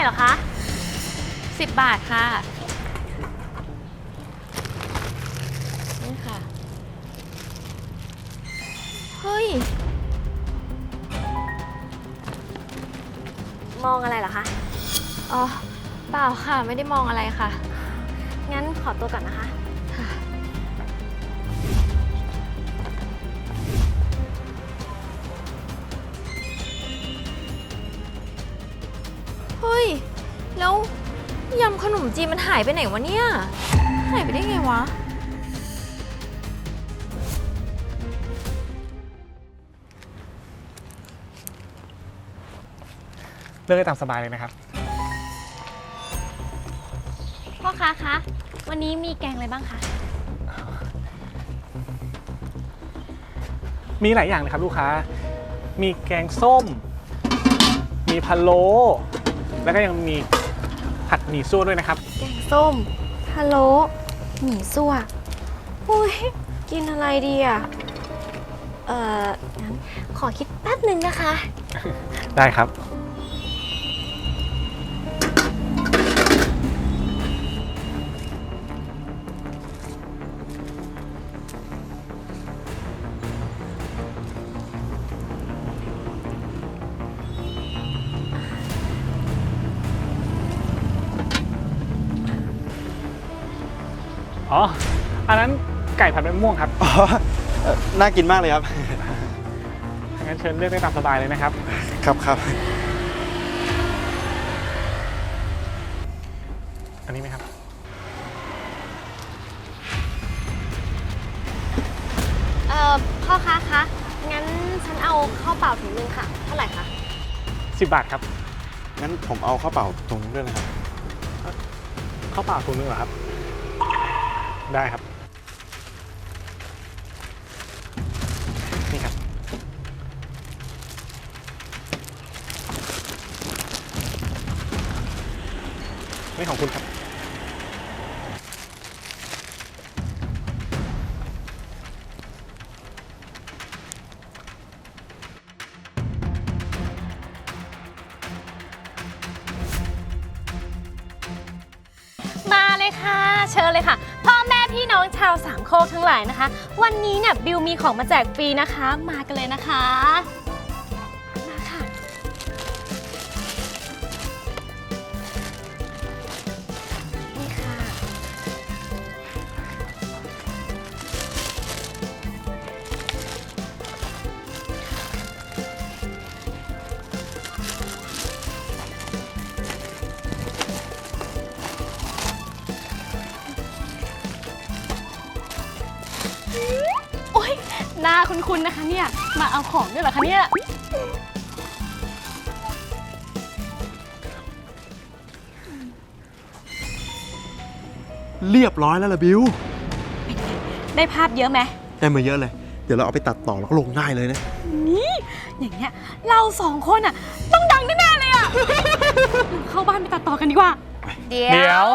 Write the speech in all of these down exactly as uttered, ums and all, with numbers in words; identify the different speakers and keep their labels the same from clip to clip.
Speaker 1: รอคะ
Speaker 2: สิบบาทค่ะนี่ค่ะเฮ้ย
Speaker 1: มองอะไรเหรอคะ
Speaker 2: อ๋อเปล่าค่ะไม่ได้มองอะไรค่ะ
Speaker 1: งั้นขอตัวก่อนนะคะ
Speaker 2: เฮ้ยแล้วยำขนมจีนมันหายไปไหนวะเนี่ยหายไปได้ไงวะ
Speaker 3: เลือกได้ตามสบายเลยนะครับ
Speaker 1: พ่อค้าคะวันนี้มีแกงอะไรบ้างคะ
Speaker 3: มีหลายอย่างเลยครับลูกค้ามีแกงส้มมีพะโล้แล้วก็ยังมีผัดหมี่ซั่วด้วยนะครับ
Speaker 1: แกงส้มพะโล้หมี่ซั่วอุ้ยกินอะไรดีอ่ะเอ่องั้นขอคิดแป๊บหนึ่งนะคะ
Speaker 3: ได้ครับอ๋ออันนั้นไก่ผัดใบมะม่วงครับ
Speaker 4: อ๋อเอ่อน่ากินมากเลยครับ
Speaker 3: งั้นเชิญเลือกได้ตามสบายเลยนะครับ
Speaker 4: ครับครับ
Speaker 3: อันนี้ไหมครับ
Speaker 1: เอ่อพ่อค้าคะงั้นฉันเอาข้าวเปล่าถุงนึงค่ะเท่าไหร่คะ
Speaker 3: สิบบาทครับ
Speaker 4: งั้นผมเอาข้าวเปล่าตรงด้วยนะครับ
Speaker 3: ข้าวเปล่าถุงนึงเหรอครับได้ครับนี่ครับนี่ของคุณครับ
Speaker 1: มาเลยค่ะเชิญเลยค่ะพ่อแม่พี่น้องชาวสามโคกทั้งหลายนะคะวันนี้เนี่ยบิวมีของมาแจกฟรีนะคะมากันเลยนะคะมาค่ะนี่ค่ะโอ๊ยหน้าคุ้นๆนะคะเนี่ยมาเอาของด้วยเหรอคะเนี่ย
Speaker 4: เรียบร้อยแล้วล่ะบิว
Speaker 1: ได้ภาพเยอะไหม
Speaker 4: ได้มาเยอะเลย เดี๋ยวเราเอาไปตัดต่อแล้วก็ลงได้เลยนะ
Speaker 1: นี่อย่างเงี้ยเราสองคนอ่ะต้องดังแน่ๆเลยอ่ะ เราเข้าบ้านไปตัดต่อกันดีกว่า
Speaker 2: เดี๋
Speaker 3: เดี๋
Speaker 2: ย
Speaker 3: ยว ว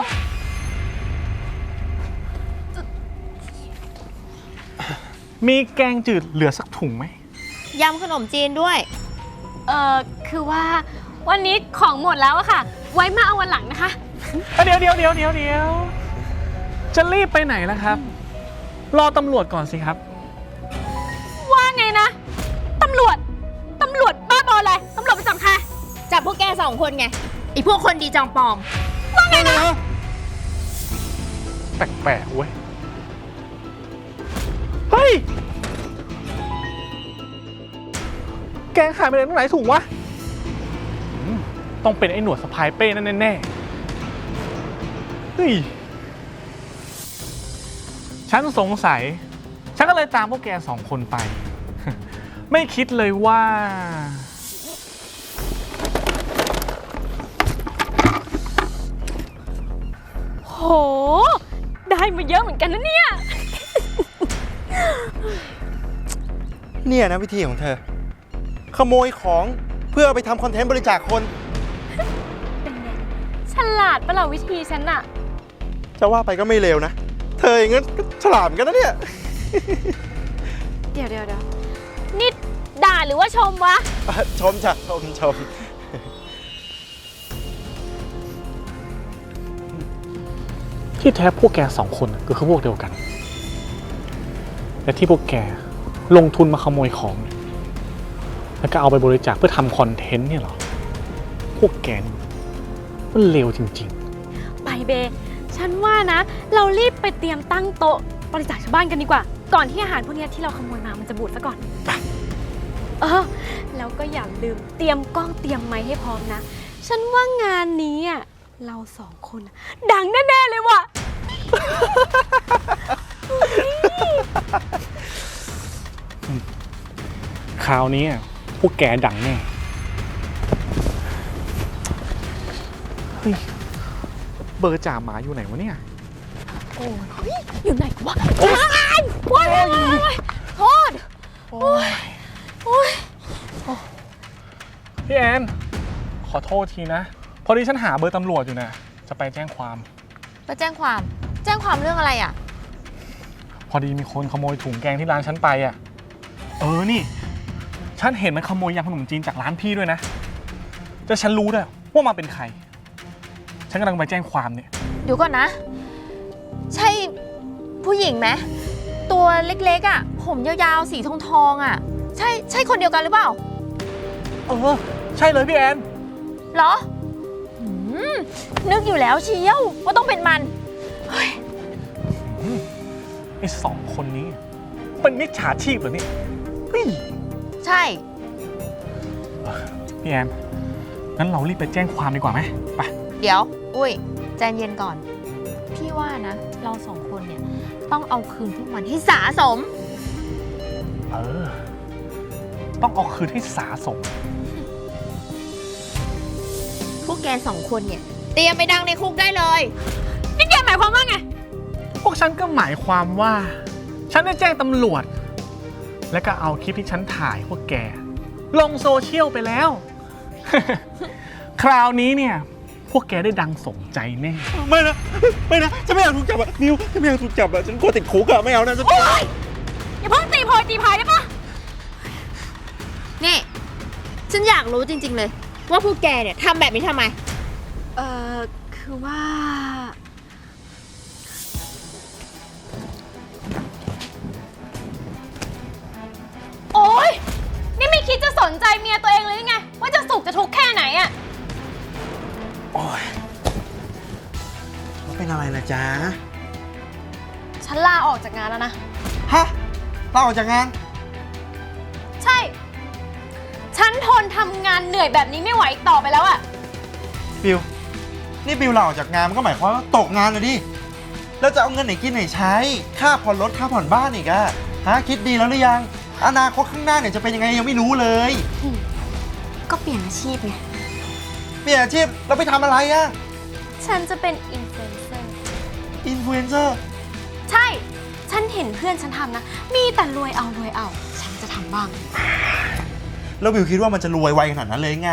Speaker 3: มีแกงจืดเหลือสักถุงไหม
Speaker 2: ยำขนมจีนด้วย
Speaker 1: เอ่อคือว่าวันนี้ของหมดแล้วอะค่ะ ไว้มาเอาวันหลังนะคะ
Speaker 3: เดี๋ยวเดี๋ยวเดี๋ยวเดี๋ยวเดี๋ยวจะรีบไปไหนล่ะครับ รอตำรวจก่อนสิครับ
Speaker 1: ว่าไงนะตำรวจตำรวจบ้าบออะไรตำรวจไปจับใคร
Speaker 2: จับพวกแกสองคนไงไอพวกคนดีจองปลอม
Speaker 1: ว่าไงนะ
Speaker 3: แปลกๆเว้ย เฮ้ย แกงขายไปไหนตรงไหนถุงวะอืมต้องเป็นไอ้หนวดสะพายเป้นั่นแน่ๆเฮ้ย ฉันสงสัย ฉันก็เลยตามพวกแกสองคนไป ไม่คิดเลยว่า
Speaker 1: โหได้มาเยอะเหมือนกันนะเนี่ย
Speaker 4: เนี่ยนะวิธีของเธอ ขโมยของเพื่อเอาไปทำคอนเทนต์บริจาคคน
Speaker 1: ฉลาดปะล่ะวิธีฉันอะ
Speaker 4: จะว่าไปก็ไม่เลวนะ เธออย่างงั้นก็ฉลาดเหมือนกันนะเนี่ย
Speaker 1: เดี๋ยวเดี๋ยวเดี๋ยวนี่ด่าหรือว่าชมวะ
Speaker 4: ชมจ้ะชมชม
Speaker 3: ที่แท้พวกแกสองคนน่ะก็คือพวกเดียวกัน และที่พวกแกลงทุนมาขโมยของ แล้วก็เอาไปบริจาคเพื่อทำคอนเทนต์เนี่ยเหรอ พวกแกนี่มันเลวจริง
Speaker 1: ไปเบ ฉันว่านะ เรารีบไปเตรียมตั้งโต๊ะบริจาคชาวบ้านกันดีกว่า ก่อนที่อาหารพวกเนี้ยที่เราขโมยมามันจะบูดซะก่อนเออแล้วก็อย่าลืมเตรียมกล้องเตรียมไมค์ให้พร้อมนะ ฉันว่างานนี้อ่ะเราสองคนน่ะดังแน่ๆเลยว่ะ
Speaker 3: ๆ คราวนี้พวกแกดังแน่ เฮ้ย เบอร์จ่าหมาอยู่ไหนวะเนี่ย
Speaker 1: โอ้ยอยู่ไหนวะโอ้ยโอ้ยโอ้ยโทษโอ้ยโอ้ย
Speaker 3: พี่แอน ขอโทษทีนะ พอดีฉันหาเบอร์ตำรวจอยู่นะจะไปแจ้งความ
Speaker 2: ไปแจ้งความ แจ้งความเรื่องอะไรอ่ะ
Speaker 3: พอดีมีคนขโมยถุงแกงที่ร้านฉันไปอ่ะ เออ นี่ ฉันเห็นมันขโมยยำขนมจีนจากร้านพี่ด้วยนะแต่ฉันรู้ด้วยว่ามาเป็นใคร ฉันกำลังไปแจ้งความเนี่ย
Speaker 2: เดี๋ยวก่อนนะ ใช่ผู้หญิงไหมตัวเล็กๆอ่ะ ผมยาวๆสีทองทองๆอ่ะ ใช่ใช่คนเดียวกันหรือเปล่า
Speaker 3: เออ ใช่เลยพี่แอน
Speaker 2: เหรอหืมนึกอยู่แล้วเชียวว่าต้องเป็นมัน
Speaker 3: ไอ้สองคนนี้ เป็นมิจฉาชีพเหรอเนี่ยเฮ้ย
Speaker 2: ใช่
Speaker 3: พี่แอน งั้นเรารีบไปแจ้งความดีกว่าไหมไป
Speaker 2: เดี๋ยว อุ้ยใจเย็นก่อน พี่ว่านะ เราสองคนเนี่ย ต้องเอาคืนพวกมันให้สะสม
Speaker 3: เออ ต้องเอาคืนให้สาสม
Speaker 2: พวกแกสองคนเนี่ย เตรียมไปดังในคุกได้เลย
Speaker 1: นี่แกหมายความว่าไง
Speaker 3: พวกฉันก็หมายความว่า ฉันได้แจ้งตำรวจ และก็เอาคลิปที่ฉันถ่ายพวกแก ลงโซเชียลไปแล้ว คราวนี้เนี่ย พวกแกได้ดังสมใจแน่
Speaker 4: ไม่นะ ไม่นะฉันไม่อยากถูกจับอะนิวฉันไม่อยากถูกจับอะฉันกลัวติดคุกอะไม่เอานะฉัน
Speaker 1: โอ๊ยอย่าเพิ่งตีโพยตีพายได้ปะ
Speaker 2: นี่ ฉันอยากรู้จริงๆเลย ว่าพวกแกเนี่ยทำแบบนี้ทำไม
Speaker 1: เออคือว่า โอ๊ย นี่ไม่คิดจะสนใจเมียตัวเองเลยหรือไง ว่าจะสุขจะทุกข์แค่ไหนอะ
Speaker 4: โอ๊ยเป็นอะไรล่ะจ๊ะ
Speaker 1: ฉันลาออกจากงานแล้วนะ
Speaker 4: ฮะลาออกจากงาน
Speaker 1: ใช่ ฉันทนทำงานเหนื่อยแบบนี้ไม่ไหวอีกต่อไปแล้วอะ
Speaker 4: บิว นี่บิวลาออกจากงานมันก็หมายความว่าตกงานเลยดิ แล้วจะเอาเงินไหนกินไหนใช้ ค่าผ่อนรถค่าผ่อนบ้านอีกอะฮะคิดดีแล้วหรือยัง อนาคตข้างหน้าเนี่ยจะเป็นยังไงยังไม่รู้เลย
Speaker 1: ก็เปลี่ยนอาชีพไง
Speaker 4: เปลี่ยนอาชีพเราไปทำอะไรอะ
Speaker 1: ฉันจะเป็นอินฟลูเอนเซอร์
Speaker 4: อินฟลูเอนเซอร์
Speaker 1: ใช่ ฉันเห็นเพื่อนฉันทำนะ มีแต่รวยเอารวยเอา ฉันจะทำบ้าง
Speaker 4: แล้วบิวคิดว่ามันจะรวยไวขนาดนั้นเลยไง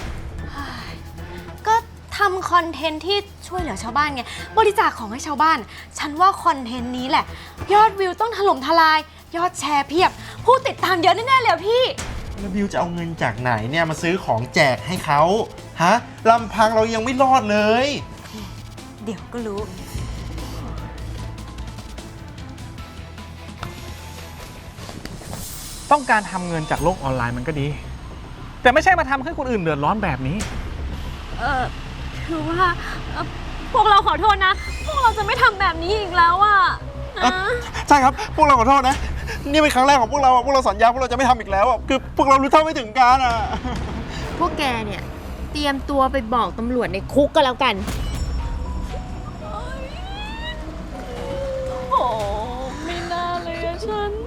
Speaker 1: ก็ทำคอนเทนต์ที่ช่วยเหลือชาวบ้านไง บริจาคของให้ชาวบ้าน ฉันว่าคอนเทนต์นี้แหละ ยอดวิวต้องถล่มทลาย ยอดแชร์เพียบ ผู้ติดตามเยอะแน่ๆเลยอะพี่
Speaker 4: แล้วบิวจะเอาเงินจากไหนเนี่ยมาซื้อของแจกให้เขาฮะลำพังเรายังไม่รอดเลย
Speaker 1: เดี๋ยวก็รู้
Speaker 3: ต้องการทำเงินจากโลกออนไลน์มันก็ดี แต่ไม่ใช่มาทำให้คนอื่นเดือดร้อนแบบนี้
Speaker 1: เออคือว่าเอ่อพวกเราขอโทษนะ พวกเราจะไม่ทำแบบนี้อีกแล้วอะนะ
Speaker 4: ใช่ครับ พวกเราขอโทษนะ นี่เป็นครั้งแรกของพวกเราอะพวกเราสัญญาพวกเราจะไม่ทำอีกแล้วอะคือพวกเรารู้เท่าไม่ถึงการอ่ะ
Speaker 2: พวกแกเนี่ย เตรียมตัวไปบอกตำรวจในคุกก็แล้วกัน
Speaker 1: โอ้ไม่น่าเลยอะฉัน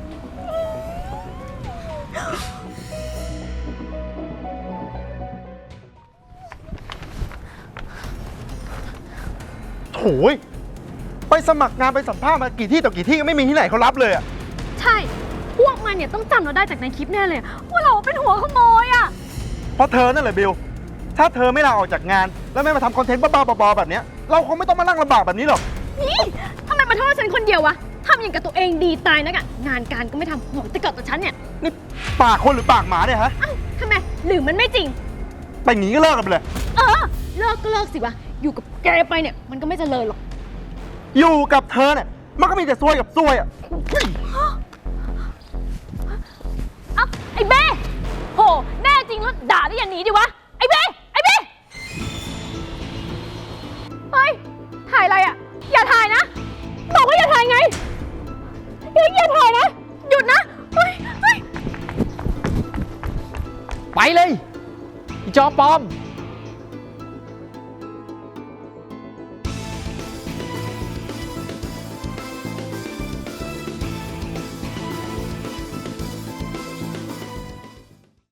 Speaker 4: โถ่ไปสมัครงานไปสัมภาษณ์มากี่ที่ต่อกี่ที่ก็ไม่มีที่ไหนเขารับเลยอ่ะ
Speaker 1: ใช่ พวกมันเนี่ยต้องจำเราได้จากในคลิปแน่เลย ว่าเราเป็นหัวขโมยอะ
Speaker 4: เพราะเธอนั่นแหละบิล ถ้าเธอไม่ลาออกจากงาน แล้วไม่มาทำคอนเทนต์บ้าๆบอๆแบบเนี้ยเราคงไม่ต้องมานั่งลำบากแบบนี้หรอก
Speaker 1: นี่ทำไมมาโทษฉันคนเดียววะทำอย่างกับตัวเองดีตายนักอะงานการก็ไม่ทำหัวแต่เกิดตัวฉันเนี่ย
Speaker 4: นี่ปากคนหรือปากหมาเนี่ยฮะ
Speaker 1: เอ้าทำไม หรือมันไม่จริง
Speaker 4: ไปอย่างนี้ก็เลิกกันไปเลย
Speaker 1: เออ เลิกก็เลิกสิวะ อยู่กับแกไปเนี่ย มันก็ไม่เจริญหรอก
Speaker 4: อยู่กับเธอเนี่ยมันก็มีแต่ซวยกับซวยอ่ะ
Speaker 1: เอ้าไอ้เบ้โหแน่จริงแล้วด่าได้อย่างนี้ดิวะ ไอ้เบ้ไอ้เบ้เฮ้ย ถ่ายอะไรอ่ะ อย่าถ่ายนะ บอกว่าอย่าถ่ายไงเฮ้ยอย่าถ่ายนะ หยุดนะ เฮ้ยเฮ้ย
Speaker 5: ไปเลยอีจอปลอม